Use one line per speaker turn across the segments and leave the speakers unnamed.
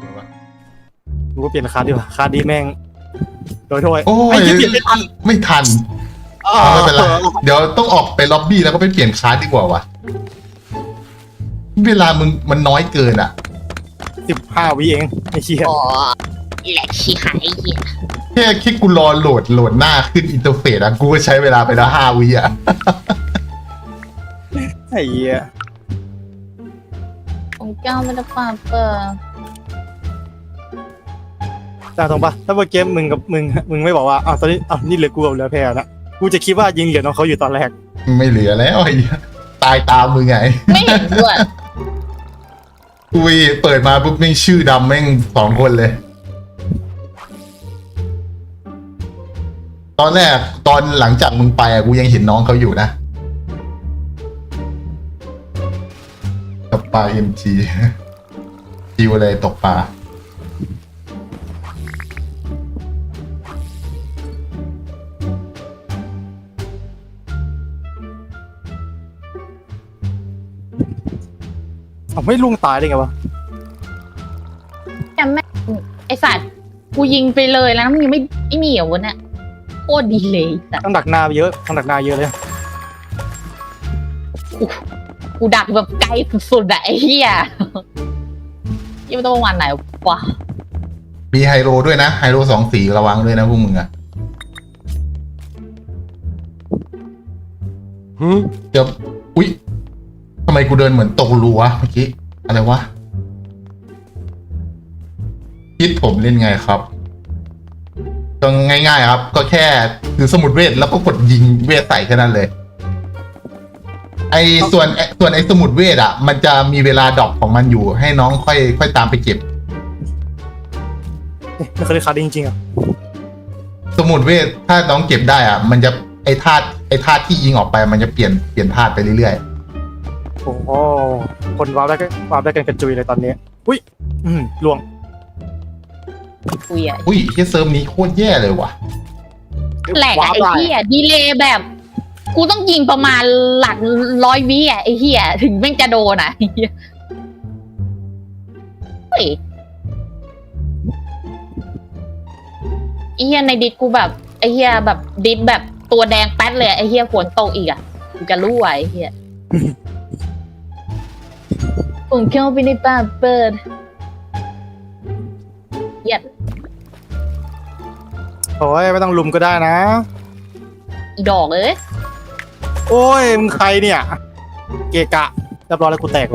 กูก็เปลี่ยนคาร์ดดีกว่าคาร์ดดีแม่งโดยโทษ
โอ้ย
ไอ้เหี้ยเปลี่ยนไม่ทัน
ไม่ทันไม่เป็นไรเดี๋ยวต้องออกไปล็อบบี้แล้วก็ไปเปลี่ยนคาร์ดดีกว่าวะเวลามึงมันน้อยเกินอ่ะ
15 วิเองไอ้เชี่ย
อ๋อแหลกชี้หายไอ้เหี้ย
แค่กูรอโหลดหน้าขึ้นอินเทอร์เฟซอะกูก็ใช้เวลาไปแล้ว5 วิอะ
ไอ้เหี้ย
ของเจ้าไม่ได้ป่าเปิด
จ้าตรงปะถ้าเมื่อกี้มึงไม่บอกว่าอ้าวตอนนี้อ้าวนี่เหลือกูกับเหลือแพรนะกูจะคิดว่ายิงเหลือน้องเขาอยู่ตอนแรก
ไม่เหลือแล้วไอ้เหี้ยตายตามมึงไง
ไม่เห็นด้วย
กูเปิดมาปุ๊บแม่งชื่อดำแม่ง2 คนเลย ตอนแรกตอนหลังจากมึงไปอะกูยังเห็นน้องเขาอยู่นะตกปลา MG จิวเลยตกปลา
เอาไม่ล่วงตายได้ไงวะ
แต่แม่งไอสัตว์กูยิงไปเลยแล้วมันยังไม่มีเหรอวะเนี่ยโคตรดีเลยสัตว์
ต้องดักหน้าเยอะต้องดักหน้าเยอะเลย
กูดักแบบไกลสุดๆอะไอ้เหี้ยยังไม่ต้องประมาณไหนวะ
มีไฮโลด้วยนะไฮโล2 สีระวังด้วยนะพวกมึงอะเดี๋ยวอุ๊ยทำไมกูเดินเหมือนตกรูวะเมื่อกี้อะไรวะคิดผมเล่นไงครับก็ง่ายๆครับ ก็แค่ถือสมุดเวทแล้วก็กดยิงเวทใส่แค่นั้นเลย ส่วนไอ้สมุดเวทอ่ะ มันจะมีเวลาดรอปของมันอยู่ ให้น้องค่อยตามไปเก็บ
ไม่เคยได้คาร์ดจริงๆอ่ะ
สมุดเวทถ้าน้องเก็บได้อ่ะ มันจะไอ้ธาตุที่ยิงออกไป มันจะเปลี่ยนธาตุไปเรื่อย
โอ้โหคนวาร์ปได้กันกระจุยเลยตอนนี้อุ้ยล่วง
กูอ่ะ
ๆอุ้ยแค่เซิร์ฟนี้โคตรแย่เลยว่ะ
แหลกอะไอ้เหี้ยดีเลย์แบบ กูต้องยิงประมาณหลัก100 วิอะไอ้เหี้ยถึงแม่งจะโดนอะไอ้เหี้ยเฮ้ยไอ้เหี้ยในดิสกูแบบไอ้เหี้ยแบบดิสแบบตัวแดงแป๊ดเลยไอ้เหี้ยฝนตกอีกอะกูจะรู้ไอ้เหี้ยผมเข้าไปในป่าเปิดเหี้ย
โอ้ยไม่ต้องลุมก็ได้นะ
อีดอกเอ้ย
โอ้ยมึงใครเนี่ย เกะกะเรียบร้อยแล้วกูแตกเลย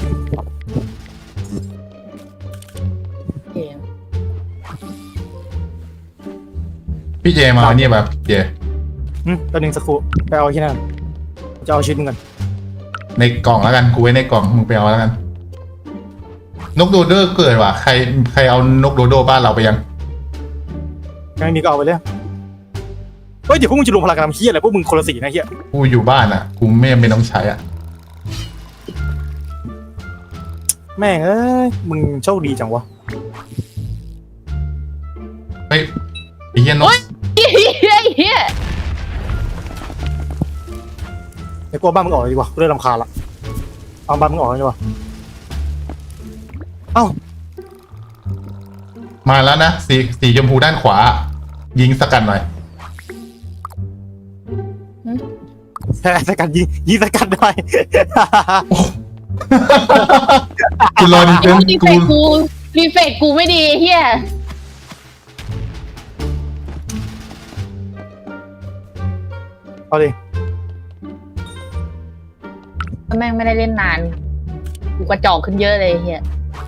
เกม
พี่เจมาเนี่ยแบบเจ
ตัวหนึ่งสักครู่ไปเอาที่นั่นจะเอาชิ้นมึงกัน
ในกล่องแล้วกันกูไว้ในกล่องมึงไปเอาแล้วกัน นกโดโดเกิดว่ะใครเอานกโดโดบ้านเราไปยัง
ยังไม่มีก็เอาไปเลยเฮ้ยเดี๋ยวพวกมึงจะรวมพลังกันทำเฮี้ยอะไรพวกมึงคนละสีนะเฮี้ย
กูอยู่บ้านอ่ะ กูไม่ต้องใช้อ่ะ
แม่งเอ้ยมึงโชคดีจังวะ
เฮ้ยไอ้เหี้ยนก
เฮียเฮีย
ไอ้กลัวบ้านมึงออกเลยดีกว่ากูเริ่มรำคาญละเอาบ้านมึงออกเลยดีกว่าเอ้า
มาแล้วนะสีชมพูด้านขวา ยิงสกัดหน่อย
แพ้สกัดยิงสกัดได้
กูรอดีเต็ม
รีเฟกกูไม่ดีเฮีย
เอาดิ
แม่งไม่ได้เล่นนานกูกระจอกขึ้นเยอะเลยเฮีย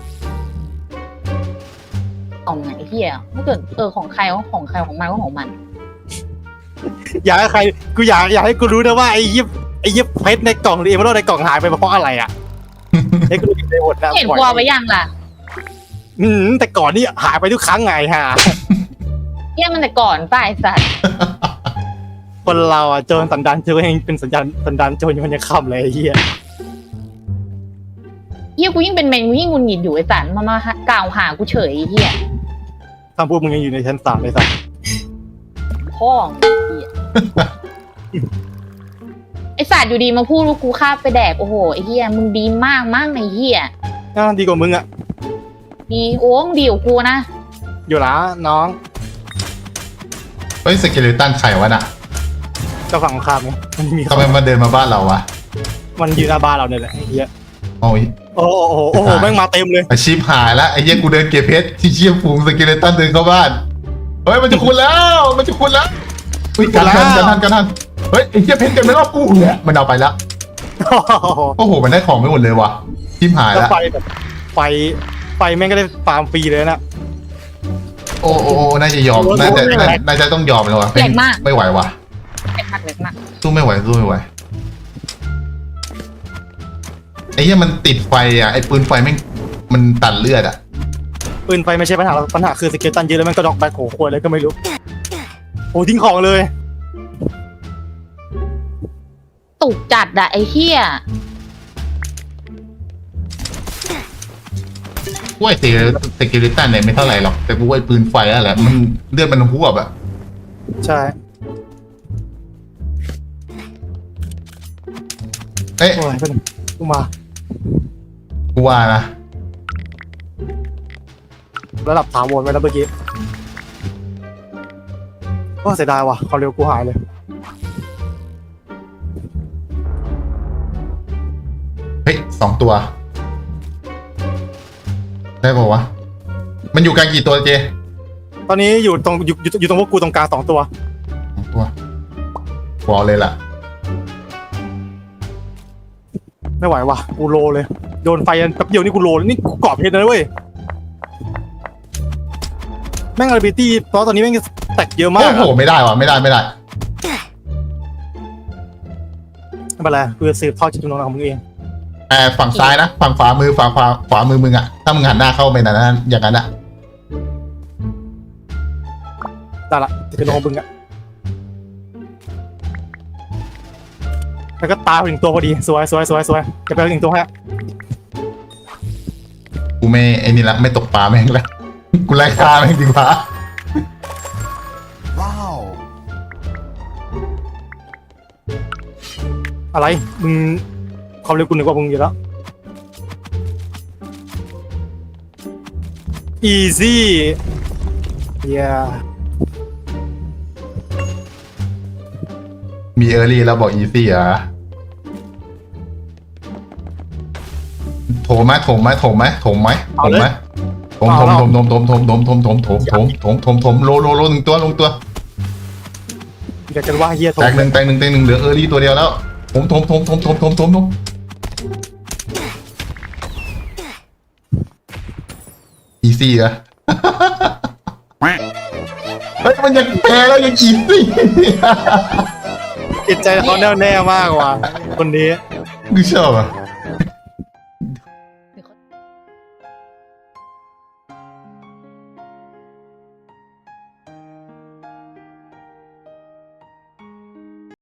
ของไหนเฮียถ้าเกิดของใครก็ของใครของมันก็ของมัน
อยากให้ใครกูอยากให้กูรู้นะว่าไอ้ยิบเพชรในกล่องหรือเอเมอรัลในกล่องหายไปเพราะอะไรอ่ะให้กูรู้ในหมดนะ
เห็นกลัวไปยังล่ะ
แต่ก่อนนี่หายไปทุกครั้งไงฮะ
เฮียมันแต่ก่อนป้าไอสัตว์
คนเราอ่ะโจรสันดานโจรเองเป็นสันดานโจรยังค่ำเลยไอ้เหี้ย
เฮียกูยิ่งเป็นเมนกูยิ่งงุนหงิดอยู่ไอสัตว์มากล่าวหากูเฉยเฮีย
คำพูดมึงยังอยู่ในชั้น3เลยสัส
พ่องเฮียไอสัตว์อยู่ดีมาพูดว่ากูฆ่าไปแดกโอ้โหไอเฮียมึงดีมากไอเฮีย
ดีกว่ามึงอ่ะ
มีโอ้งดีกว่ากูนะ
อยู่ละน้อง
เฮ้ยสเกเลตันไข่วะน่ะ
ก็ฝั่งข้ามไงมันมี
ทำไมมาเดินมาบ้านเราวะ
มันยืนหน้าบ้านเราเนี่ยแหละไอ้เหี้ย
โอ้ย
โอ้โหโอ้โหแม่งมาเต็มเลย
อาชีพหายแล้วไอ้เหี้ยกูเดินเก็บเพชรที่เชี่ยฝูงสเกเลตันเดินเข้าบ้านเฮ้ยมันจะคุณแล้วมันจะคุณแล้วอุ้ยกันทันเฮ้ยไอ้เหี้ยเพชรกันไม่รอบกูเนี่ยมันเอาไปแล้ว โอ้โหมันได้ของไม่หมดเลยว่ะชิบหาย
แล้ว
แล้ว
ไฟแบบไฟแม่งก็ได้ฟาร์มฟรีเลยนะ
โอ้น่าจะยอมน่าจะต้องยอมแล้วว่ะ
แรงมาก
ไม่ไหวว่ะ
เล็กมากเล็กมาก
สู้ไม่ไหวไอ้เหี้ยมันติดไฟอ่ะไอ้ปืนไฟแม่งมันตัดเลือดอ่ะ
ปืนไฟไม่ใช่ปัญหาหรอกปัญหาคือสเกลตันเยอะแล้วแม่งก็ดอกแบกโขควรเลยก็ไม่รู้โอ้ทิ้งของเลย
ตุกจัดอะไอ้เหี้ย
กูไอ้สเกเลตันเนี่ยไม่เท่าไหร่หรอกแต่กูไอ้ปืนไฟนั่นแหละมันเลือดมันพุ่งแบบ
ใช่
เอ๊ะ
โอ้ยเป็นกูมา
กูว่านะ
ระดับถาวรไว้แล้วเมื่อกี้ก็เสียดายว่ะความเร็วกูหายเลย
เฮ้ย2 ตัว ได้ป่าววะมันอยู่กันกี่ตัวเจ
ตอนนี้อยู่ตรงพวกกูตรงกลาง2 ตัว
2 ตัวบอกเลยล่ะ
ไม่ไหวว่ะกูโลเลยโดนไฟแป๊บเดียวนี่กูโลเลยนี่กูกรอบเพชรนะเว้ยแม่งอาร์บิตี้เพราะตอนนี้แม่งแตกเยอะมาก
โอ้โหไม่ได้ว่ะไม่ได้
ไม่เป็นไรกูจะสืบทอดจิตวิญญาณของมึงเอง
ฝั่งซ้ายนะฝั่งขวามือขวามือมึงอ่ะถ้ามึงหันหน้าเข้าไปนั้นอย่างนั้นอ่ะ
ได้ละจิตวิญญาณของมึงอะแล้วก็ตายไป1 ตัวพอดีสวยจะไป1 ตัวให้
กูไม่ไอ้นี่ละไม่ตกปลาแม่งละกูไล่ฆ่าแม่งดีกว่า
อะไรมึงความเร็วกูเหนือกว่ามึงอยู่แล้ว easy yeah
มีเออร์ลี่แล้วบอกอีซี่อ่ะโถมไหมโถมโล1 ตัวลงตัว
เดี๋ยวกันว่าเฮียโทร
แตกหนึ่งเหลือเออร์ลี่ตัวเดียวแล้วถมอีซี่อะเฮ้ยมันยังแพ้แล้วยังอีซี่
จิตใจเขาแน่วแน่มากว่ะคนนี้
กูชอบอ่ะ